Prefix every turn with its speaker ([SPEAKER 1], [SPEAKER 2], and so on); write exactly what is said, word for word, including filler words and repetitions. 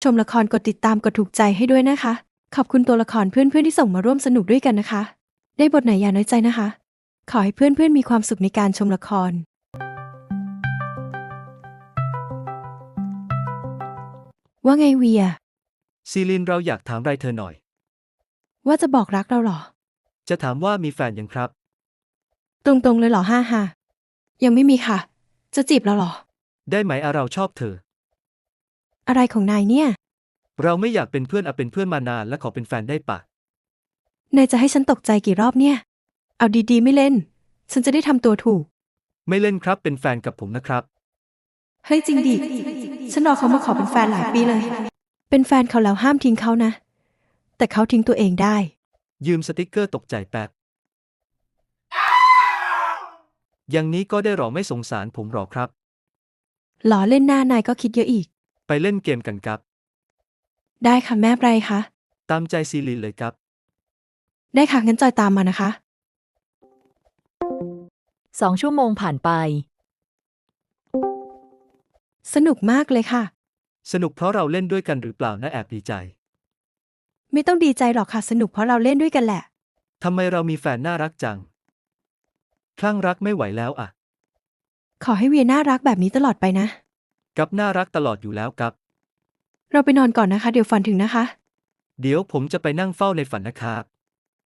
[SPEAKER 1] ชมละครกดติดตามกดถูกใจให้ด้วยนะคะ ขอบคุณตัวละครเพื่อนๆที่ส่งมาร่วมสนุกด้วยกันนะคะ ได้บทไหนอย่าน้อยใจนะคะ ขอให้เพื่อนๆมีความสุขในการชมละคร ว่าไงเวีย
[SPEAKER 2] ซีลินเราอยากถามอะไรเธอหน่อย
[SPEAKER 1] ว่าจะบอกรักเราเหรอ
[SPEAKER 2] จะถามว่ามีแฟนยังครับ
[SPEAKER 1] ตรงๆเลยเหรอฮ่าฮ่ายังไม่มีค่ะ จะจีบเราเหรอ
[SPEAKER 2] ได้ไหมอะเราชอบเธอ
[SPEAKER 1] อะไรของนายเนี่ย
[SPEAKER 2] เราไม่อยากเป็นเพื่อนอะเป็นเพื่อนมานานและขอเป็นแฟนได้ปะ
[SPEAKER 1] นายจะให้ฉันตกใจกี่รอบเนี่ย เอาดีๆไม่เล่น ฉันจะได้ทำตัวถูก
[SPEAKER 2] ไม่เล่นครับเป็นแฟนกับผมนะครับ
[SPEAKER 1] เฮ้ยจริงดิ ฉันรอเขามาขอเป็นแฟนหลายปีเลย เป็นแฟนเขาแล้วห้ามทิ้งเขานะ แต่เขาทิ้งตัวเองได้
[SPEAKER 2] ยืมสติกเกอร์ตกใจแป๊บ อย่างนี้ก็ได้หรอไม่สงสารผมหรอครับ
[SPEAKER 1] หล่อเล่นหน้านายก็คิดเยอะอีก
[SPEAKER 2] ไปเล่นเกมกันครับ
[SPEAKER 1] ได้ค่ะแม่ไรคะ
[SPEAKER 2] ตามใจซีลินเลยครับ
[SPEAKER 1] ได้ค่ะงั้นจอยตามมานะคะ
[SPEAKER 3] สองชั่วโมงผ่านไป
[SPEAKER 1] สนุกมากเลยค่ะ
[SPEAKER 2] สนุกเพราะเราเล่นด้วยกันหรือเปล่านะแอบดีใจ
[SPEAKER 1] ไม่ต้องดีใจหรอกค่ะ สนุกเพราะเราเล่นด้วยกันแหละ
[SPEAKER 2] ทำไมเรามีแฟนน่ารักจัง คลั่งรักไม่ไหวแล้วอะ
[SPEAKER 1] ขอให้เวียน่ารักแบบนี้ตลอดไปนะ
[SPEAKER 2] กับน่ารักตลอดอยู่แล้วครับ
[SPEAKER 1] เราไปนอนก่อนนะคะ เดี๋ยวฝันถึงนะคะ
[SPEAKER 2] เดี๋ยวผมจะไปนั่งเฝ้าในฝันนะครับ